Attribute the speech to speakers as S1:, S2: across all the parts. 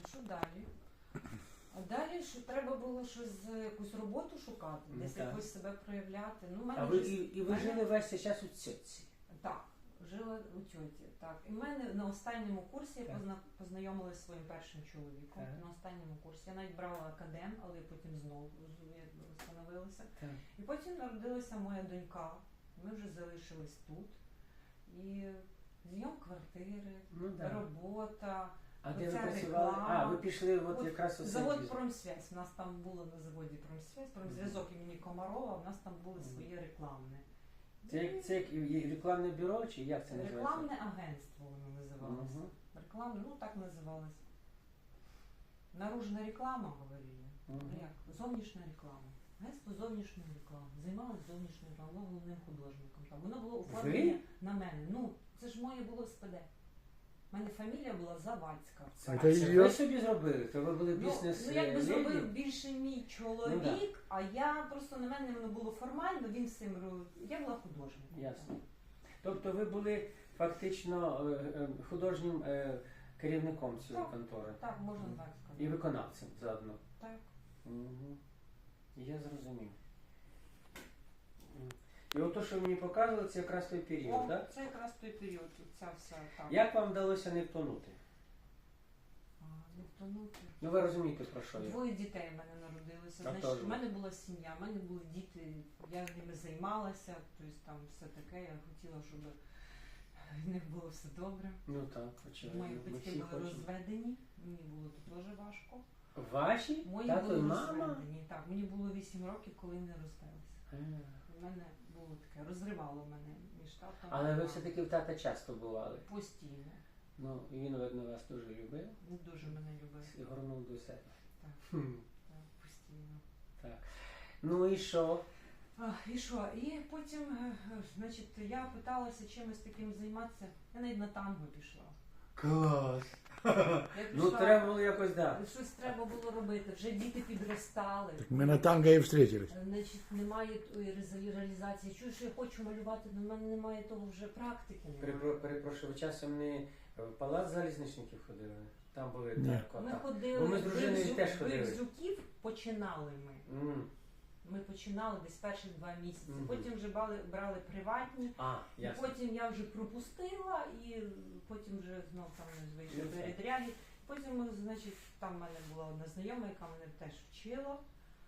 S1: що далі? А далі що треба було щось, якусь роботу шукати, десь
S2: так.
S1: якось себе проявляти. Ну, в мене
S2: А ви,
S1: вже-
S2: і ви
S1: мене-
S2: жили весь цей час у цьоці?
S1: Так, жила у тьоті. Так. І в мене на останньому курсі я
S2: Так.
S1: познайомилася зі своїм першим чоловіком.
S2: Так.
S1: На останньому курсі. Я навіть брала академ, але потім знову встановилася.
S2: Так.
S1: І потім народилася моя донька. Ми вже залишились тут. І зйом квартири,
S2: Ну, да.
S1: робота.
S2: А де ви
S1: оця
S2: працювали?
S1: реклама.
S2: А, ви пішли от
S1: От
S2: якраз у цей
S1: Завод
S2: бізнес.
S1: «Промсвязь». У нас там було на заводі «Промсвязь», «Промзв'язок» імені Комарова, у нас там були свої рекламне.
S2: Це як і рекламне бюро, чи як це називається?
S1: Рекламне агентство воно називалося.
S2: Мгм.
S1: Рекламне, ну так називалось. Наружна реклама, говорили.
S2: Мгм.
S1: Як? Зовнішня реклама. Агентство зовнішньої реклами. Займалось зовнішньою рекламою, було головним художником. Там. Воно було оформлення на мене. Ну, це ж моє було СПД. У мене фамілія була Завадська.
S2: А
S3: Це
S2: це
S3: її-
S2: ви собі зробили? То ви були бізнес
S1: Ну, якби
S2: леді?
S1: зробив більше мій чоловік,
S2: Ну, да.
S1: а я просто на мене воно було формально, він всім робив. Я була художником.
S2: Ясно. Тобто ви були фактично художнім керівником цієї
S1: Так.
S2: контори.
S1: Так, можна так
S2: І
S1: сказати.
S2: виконавцем заодно.
S1: Так.
S2: Угу. Я зрозумів. І от те, що мені показували, це якраз той період,
S1: О,
S2: так?
S1: це якраз той період, ця вся там.
S2: Як вам вдалося не втонути?
S1: Не втонути.
S2: Ну ви розумієте, про що я?
S1: Двоє дітей в мене народилося.
S2: А
S1: Значить,
S2: теж.
S1: в мене була сім'я, в мене були діти, я ними займалася, тобто там все таке, я хотіла, щоб в них було все добре.
S2: Ну так, очевидно.
S1: Мої
S2: Ми
S1: батьки
S2: всі
S1: були
S2: хочемо.
S1: розведені, мені було тут дуже важко.
S2: Ваші?
S1: Мої
S2: Тато і
S1: були
S2: мама?
S1: розведені. Так, мені було 8 років, коли не розвелися.
S2: А.
S1: У мене було таке, розривало мене між татом.
S2: Але
S1: і
S2: ви
S1: мамою.
S2: все-таки в тата часто бували.
S1: Постійно.
S2: Ну, і він, видно, вас дуже любив.
S1: Не дуже мене любив.
S2: І горнув до себе.
S1: Так.
S2: Хм.
S1: Так, постійно.
S2: Так. Ну і що?
S1: І що? І потім, значить, я питалася чимось таким займатися. Я навіть на танго пішла.
S2: Клас!
S1: Я
S2: Ну
S1: пішла,
S2: треба було якось, так.
S1: щось треба було робити. Вже діти підростали.
S3: Мы на танго и встретились.
S1: Значить, немає тої реалізації. Чую, що я хочу малювати, але в мене немає того вже практики. Немає.
S2: Перепрошую, ви часом не в палац залізничників ходили? Там були
S3: Ні.
S2: так.
S1: Ми
S2: так.
S1: ходили,
S2: Бо ми з дружиною теж ходили.
S1: Березюків починали ми. Ми починали десь перші 2 місяці.
S2: Мгм.
S1: Потім вже брали приватні.
S2: А,
S1: І
S2: ясно.
S1: потім я вже пропустила, і потім вже знов там вийшли
S2: Ну, так.
S1: передряги. Потім, значить, там в мене була одна знайома, яка мене теж вчила.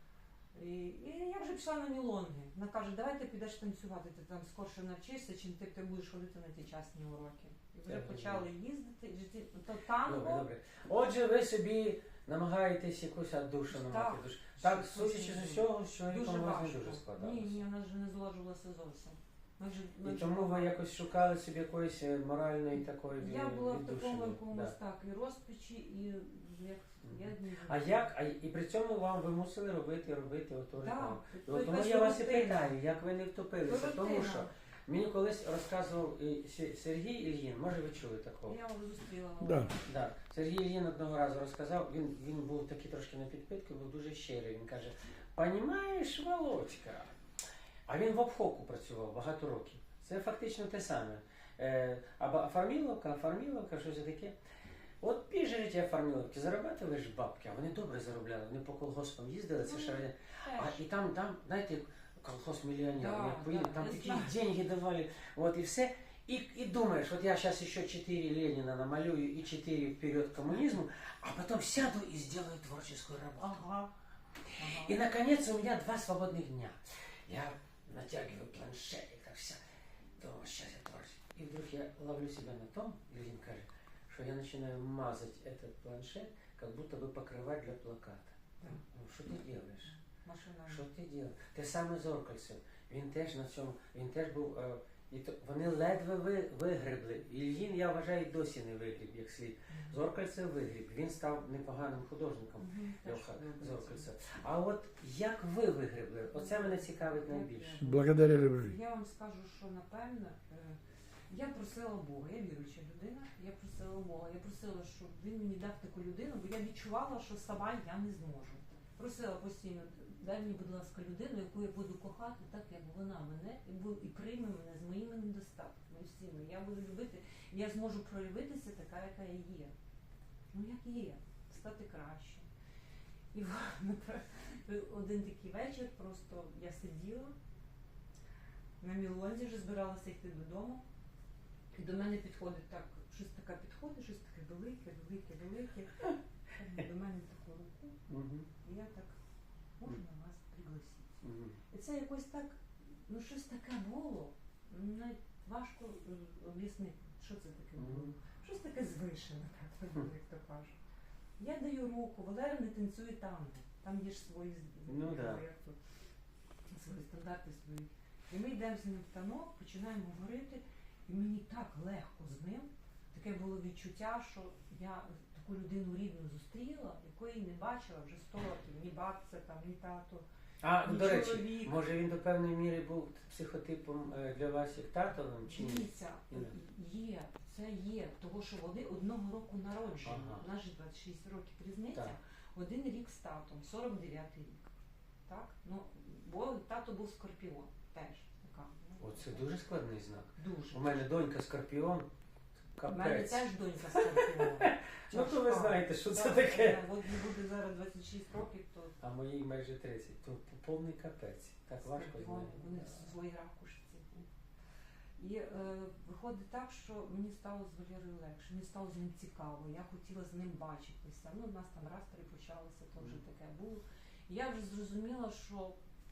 S1: І я вже пішла на мілонги. Вона каже, давай ти підеш танцювати, ти там скорше навчишся, чим ти будеш ходити на ті частні уроки. І вже
S2: Так,
S1: почали їздити, то
S2: Добре,
S1: танго.
S2: добре. Отже, ви собі намагаєтесь якусь віддушину
S1: Так.
S2: мати. Так,
S1: Щось
S2: судячи
S1: дуже-
S2: з усього, що
S1: Дуже
S2: нікому вас не
S1: важко.
S2: дуже складалося.
S1: Ні, вона вже не зложувалася зовсім. Ми
S2: І
S1: вже
S2: тому ви якось шукали собі якоїсь моральної такої
S1: Я була в
S2: віддушини.
S1: такому якомусь
S2: Да.
S1: так, і розпачі, і як я не
S2: А як, і при цьому вам ви мусили робити оту рекламу.
S1: Так,
S2: І от тому я вас і питаю, як ви не втопилися, тому що мені колись розказував Сергій Ільїн, може ви чули такого?
S1: Я його зустріла.
S3: Да.
S2: Да. Сергій Ільїн одного разу розказав, він був такий трошки на підпитку, був дуже щирий. Він каже, понімаєш, Володька? А він в обхоку працював багато років. Це фактично те саме. А фарміловка, щось таке. От біжите фарміловки, заробляли ж бабки, а вони добре заробляли, вони по колгоспам їздили, це ще раді. І там, знаєте, колхоз мільйонерів,
S1: Да,
S2: як поїде,
S1: да,
S2: там
S1: я
S2: такі
S1: знаю.
S2: деньги давали, от і все. И думаешь, вот я сейчас еще 4 Ленина намалюю и 4 вперед к коммунизму, а потом сяду и сделаю творческую работу.
S1: Ага.
S2: И наконец у меня 2 свободных дня. Я натягиваю планшетик, так вся. Думаю, сейчас я творческий. И вдруг я ловлю себя на том, Ильин кажет, что я начинаю мазать этот планшет, как будто бы покрывать для плаката.
S1: Да.
S2: Ну, что ты делаешь?
S1: Машина.
S2: Що ти робиш? Те саме Зоркальцев. Він теж на цьому, він теж був, і то, вони ледве вигребли. Ільїн, я вважаю, досі не вигріб, як слід. Зоркальцев вигріб. Він став непоганим художником, Льоха Зоркальцев. А от як ви вигребли? Оце мене цікавить найбільше.
S3: Благодаря любви.
S1: Я вам скажу, що напевно, я просила Бога, я віруюча людина, я просила Бога, я просила, щоб він мені дав таку людину, бо я відчувала, що сама я не зможу. Просила постійно, дай мені, будь ласка, людину, яку я буду кохати, так як вона мене, і прийме мене з моїми недостатками, всіми. Я буду любити, і я зможу проявитися така, яка я є. Ну як є. стати краще. І один такий вечір просто я сиділа на Мілонзі, вже збиралася йти додому. І до мене підходить так, щось таке підходить, щось таке велике. До мене таку руку.
S2: Мгм.
S1: І я так, можна вас пригласити?
S2: Мгм.
S1: І це якось так, ну щось таке було. Навіть важко об'яснити, що це таке було.
S2: Мгм.
S1: Щось таке звишене, так, як то кажуть. Я даю руку, Валера не танцює танго. Там є ж свої
S2: Ну, да.
S1: як то, свої стандарти свої. І ми йдемо з ним в танок, починаємо говорити, і мені так легко з ним. Таке було відчуття, що я таку людину рідну зустріла, якої не бачила вже 100 років. Ні бабця, там, ні тато.
S2: А,
S1: Ні
S2: до речі,
S1: чоловік.
S2: може він до певної міри був психотипом для вас як татовим чи ні?
S1: Дивіться,
S2: Ні.
S1: є, це є, того що вони одного року народження,
S2: Ага.
S1: у нас же 26 років різниця,
S2: Так.
S1: один рік з татом, 49-й рік. Так? Ну, бо тато був скорпіон теж. Така, ну,
S2: Оце дуже складний знак.
S1: дуже.
S2: У мене донька скорпіон.
S1: У мене
S2: Капець.
S1: теж донька скорпіон.
S2: Ну то ви
S1: Тяжка.
S2: знаєте, що це
S1: Так,
S2: таке.
S1: От їй буде зараз 26 років, то
S2: А моїй майже 30. То повний капець. Так важко з
S1: скорпіон,
S2: нею.
S1: вони в своїй ракушці. І виходить так, що мені стало з Валерою легше, мені стало з ним цікаво, я хотіла з ним бачитися. Ну, у нас там раз-три почалося, то вже таке було. І я вже зрозуміла, що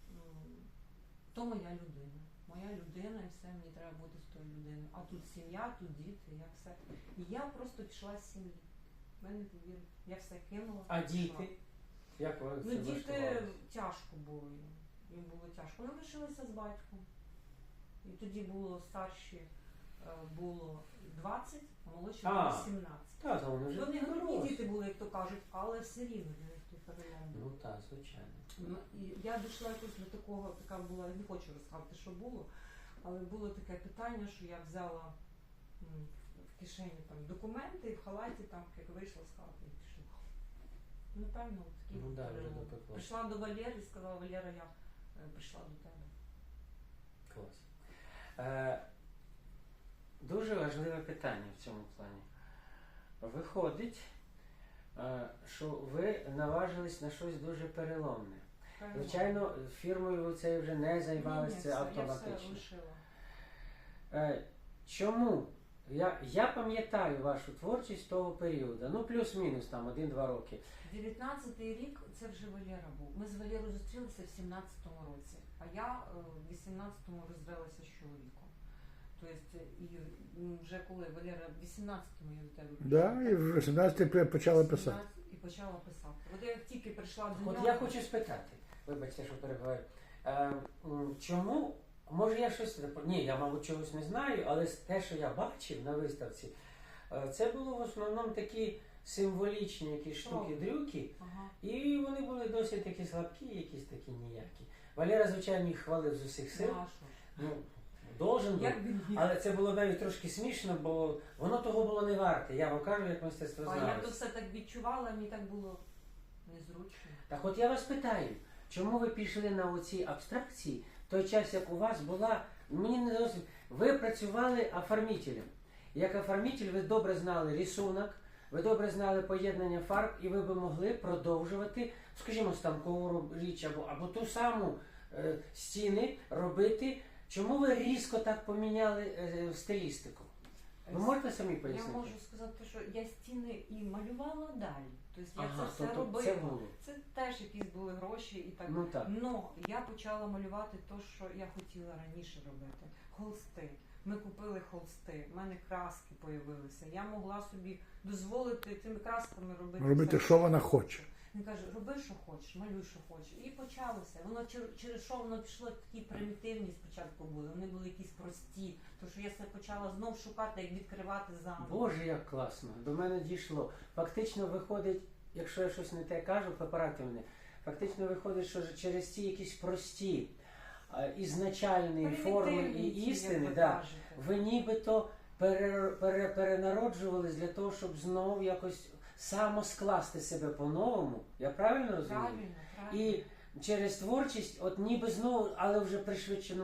S1: то моя людина. Моя людина і все, мені треба бути з тою людиною. А тут сім'я, тут діти, я все. І я просто пішла з сім'ї. Ви не повірите. Я все кинула.
S2: А
S1: пішла.
S2: діти? Як ви
S1: Ну,
S2: це
S1: діти
S2: влаштували?
S1: тяжко було їм. Їм було тяжко. Вони лишилися з батьком. І тоді було старші було 20, а молодші було 17.
S2: Та, то вони вже
S1: Вони грудні
S2: дорослі.
S1: діти були, як то кажуть, але все рівно для них той перелом був.
S2: Ну так, звичайно.
S1: Ну, і я дійшла якось до такого, така була, не хочу розказати, що було, але було таке питання, що я взяла в кишені там документи і в халаті там, як вийшла з хати і пішла. Ну, певно, такий
S2: Ну
S1: був
S2: да, вже
S1: перелом.
S2: допекло.
S1: Прийшла до Валери і сказала, Валера, я прийшла до тебе.
S2: Клас. Дуже важливе питання в цьому плані. Виходить, що ви наважились на щось дуже переломне.
S1: Перелом.
S2: Звичайно, фірмою ви це вже не займалися, це
S1: Я все
S2: автоматично.
S1: лишила.
S2: Чому? Я пам'ятаю вашу творчість того періоду, ну плюс-мінус там 1-2 роки.
S1: 19-й рік це вже Валера був. Ми з Валерою зустрілися в 17-му році, а я в 18-му розвелася з чоловіком. Тобто, і вже коли Валера в 18-му я до тебе
S3: Да, і в 18-й почала писати.
S1: І почала писати. От я як тільки прийшла до
S2: От
S1: нього.
S2: я хочу спитати, вибачте, що перебуваю, чому, може я щось, ні, я, мабуть, чогось не знаю, але те, що я бачив на виставці, це було в основному такі символічні якісь штуки-дрюки,
S1: Ага.
S2: і вони були досить такі слабкі, якісь такі ніякі. Валера, звичайно, їх хвалив з усіх сил,
S1: Нашу.
S2: ну, должен був.
S1: Як він їх?
S2: Але це було навіть трошки смішно, бо воно того було не варте. Я вам кажу, як
S1: А
S2: мистецтвознавець.
S1: я то все так відчувала, мені так було незручно.
S2: Так от я вас питаю, чому ви пішли на оці абстракції в той час, як у вас була, мені не зовсім, ви працювали оформителем. Як оформитель ви добре знали рисунок, ви добре знали поєднання фарб, і ви би могли продовжувати, скажімо, станкову річ або ту саму стіни робити. Чому ви різко так поміняли стилістику? Ви можете самі
S1: Я
S2: пояснити?
S1: можу сказати, що я стіни і малювала далі. Тобто я
S2: Ага,
S1: це все
S2: тобто
S1: робила.
S2: це було.
S1: Це теж якісь були гроші і так.
S2: Ну так.
S1: Но я почала малювати те, що я хотіла раніше робити. Холсти. Ми купили холсти, в мене краски з'явилися. Я могла собі дозволити цими красками робити.
S3: Робити,
S1: все,
S3: що вона хоче.
S1: Він каже, роби, що хочеш, малюй, що хочеш. І почалося. Воно через що воно пішло, такі примітивні спочатку були. Вони були якісь прості. Тому що я себе почала знов шукати, як відкривати заново.
S2: Боже, як класно. До мене дійшло. Фактично виходить, якщо я щось не те кажу, поправте мене. Фактично виходить, що через ці якісь прості ізначальні форми і
S1: Примітивні ці, як
S2: істини,
S1: ви
S2: да,
S1: кажете.
S2: ви нібито перенароджувались для того, щоб знову якось самоскласти себе по-новому. Я правильно розумію?
S1: Правильно, правильно.
S2: І через творчість, от ніби знову, але вже пришвидшеному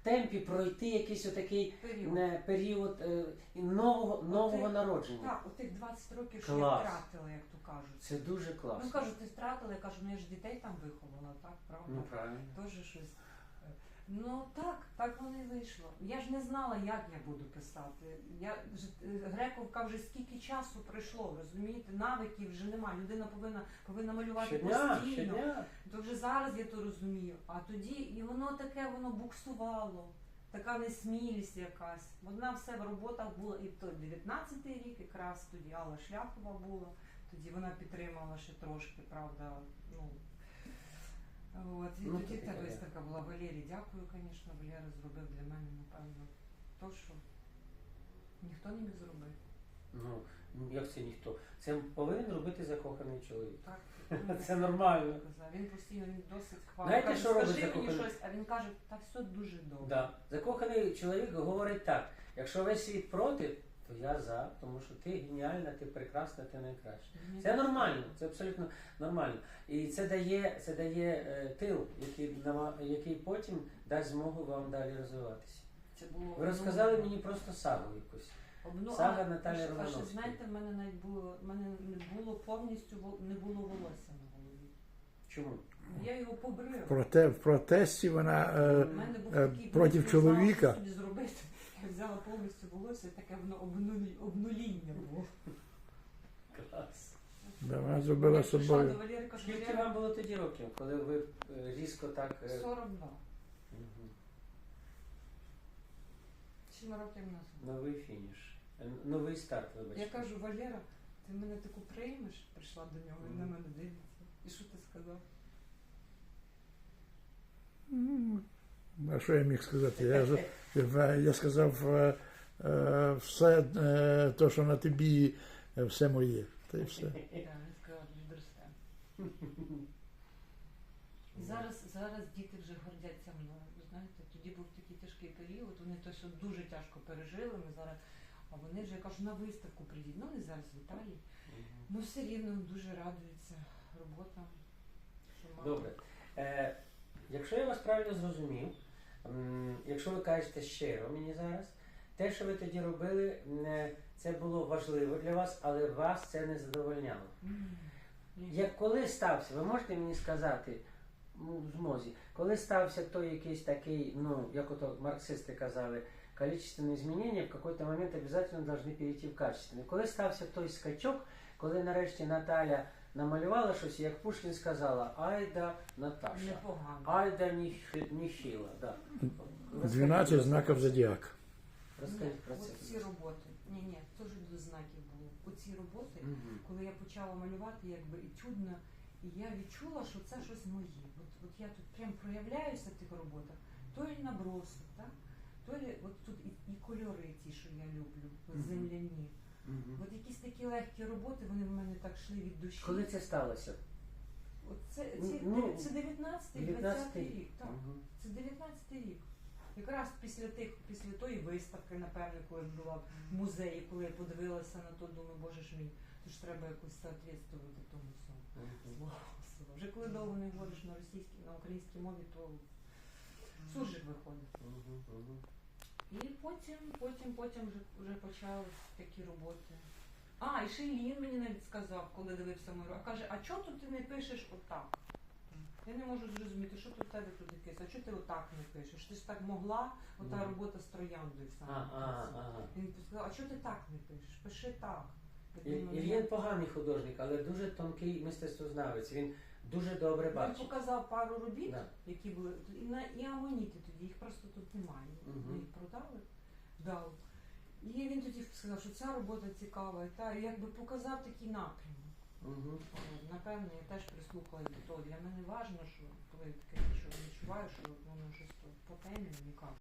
S2: темпі пройти якийсь отакий
S1: Період.
S2: період нового
S1: Отих-
S2: народження.
S1: Так, отих 20 років, що я
S2: Клас.
S1: втратила, як то кажуть.
S2: Це дуже
S1: Ну
S2: класно.
S1: кажуть, ти втратила, я кажу, ну я ж дітей там виховала, так, правда?
S2: Ну правильно.
S1: Тоже щось. Ну так воно і вийшло. Я ж не знала, як я буду писати. Грековка вже скільки часу пройшло, розумієте? Навиків вже нема. Людина повинна малювати постійно.
S2: Щодня.
S1: То вже зараз я то розумію. А тоді і воно буксувало. Така несмілість якась. Одна все в роботах була і в той 19-й рік, якраз тоді Алла Шляхова була. Тоді вона підтримала ще трошки, правда. Ну, от, і
S2: Ну,
S1: тоді
S2: то
S1: та
S2: таке,
S1: виставка була. Валерій, дякую, звісно, Валера зробив для мене, напевно, то, що ніхто не міг зробити.
S2: Ну, як це ніхто? Це повинен робити закоханий чоловік.
S1: Так,
S2: Це нормально.
S1: казав. Він постійно він досить хвалить.
S2: Знаєте,
S1: Каже,
S2: що робить
S1: скажи мені
S2: закоханий?
S1: щось, а він каже, та все дуже добре.
S2: Да. Закоханий чоловік говорить так: якщо весь світ проти, то я за, тому що ти геніальна, ти прекрасна, ти найкраща. Це нормально, це абсолютно нормально. І це дає тил, який потім дасть змогу вам далі розвиватися.
S1: Це було
S2: Ви розказали мені просто сагу якусь. Сага Наталі
S1: А ще,
S2: Романовської.
S1: знаєте, в мене навіть не було повністю не було волосся на голові.
S2: Чому?
S1: Я його побрила.
S3: В протесті вона
S1: У мене був такий
S3: проти
S1: не знала,
S3: чоловіка.
S1: що собі зробити. Я взяла повністю волосся, таке воно обнуління було.
S2: Клас.
S3: Да, вона зробила
S1: Я прийшла до
S3: собою.
S1: Валери, кажу,
S2: Скільки
S1: Валера,
S2: вам було тоді років, коли ви різко так...
S1: 42.
S2: Мгм.
S1: 7 років назад.
S2: Новий фініш. Новий старт, вибачте.
S1: Я кажу, Валера, ти мене таку приймеш? Прийшла до нього, він на мене дивиться. І що ти сказав?
S3: Ну, а що я міг сказати? Я сказав, все те, що на тобі, все моє. Та й все.
S1: Так, він сказав, відросте. І зараз діти вже гордяться мною. Ви знаєте, тоді був такий тяжкий період, вони то все дуже тяжко пережили. Ми зараз, а вони вже я кажу, на виставку прийдіть. Ну, вони зараз в Італії. Ну, все рівно дуже радуються роботам. Що мама.
S2: Добре. Якщо я вас правильно зрозумів, якщо ви кажете щиро мені зараз, те, що ви тоді робили, це було важливо для вас, але вас це не задовольняло.
S1: Ні.
S2: Як коли стався, ви можете мені сказати, в змозі, коли стався той якийсь такий, ну, як ото марксисти казали, количественные изменения в какой-то момент обязательно должны перейти в качественные. Коли стався той скачок, коли нарешті Наталя намалювала щось, як Пушкін сказала, айда Наташа,
S1: Непогано.
S2: айда Ніхіла. Да.
S3: 12 знаків зодіака.
S2: Розкажіть про це.
S1: Оці роботи. Ні, теж до знаків було. Оці роботи,
S2: Мгм.
S1: коли я почала малювати, якби етюдно, і я відчула, що це щось моє. От я тут прям проявляюся в тих роботах. То лі набросок, так? То лі, от тут і кольори ті, що я люблю, от
S2: Мгм.
S1: земляні.
S2: Мгм.
S1: От якісь такі легкі роботи, вони в мене так йшли від душі.
S2: Коли це сталося?
S1: От це
S2: Ну,
S1: 19-й,
S2: 19-й
S1: 20-й рік, так.
S2: Мгм.
S1: Це 19-й рік. Якраз після тої виставки, напевно, коли ж була в музеї, коли я подивилася на то, думаю, боже ж мій, то ж треба якось соответствувати тому всьому.
S2: Мгм.
S1: Слава Богу. Вже коли довго не говориш на українській мові, то суржик виходить.
S2: Мгм. Мгм.
S1: І потім вже почали такі роботи. А, і ще Іллін мені навіть сказав, коли дивився мою роботу. Каже, а чого тут ти не пишеш отак? Я не можу зрозуміти, що тут в тебе тут якесь, а чого ти отак не пишеш? Ти ж так могла, ота
S2: Ну.
S1: робота з трояндою в самому
S2: Ага,
S1: кінці.
S2: ага.
S1: Він сказав, а чого ти так не пишеш? Пиши так. Я думаю,
S2: Ільєн поганий художник, але дуже тонкий мистецтвознавець. Він дуже добре
S1: Він
S2: бачить.
S1: показав пару робіт,
S2: Да.
S1: які були, і амоніти тоді, їх просто тут немає.
S2: Мгм.
S1: Ми їх продали, дав. І він тоді сказав, що ця робота цікава, і та, і якби показав такий напрямок.
S2: Мгм.
S1: Напевно, я теж прислухалась до того. Для мене важливо, що коли таке що відчуваю, що воно щось по темі, яка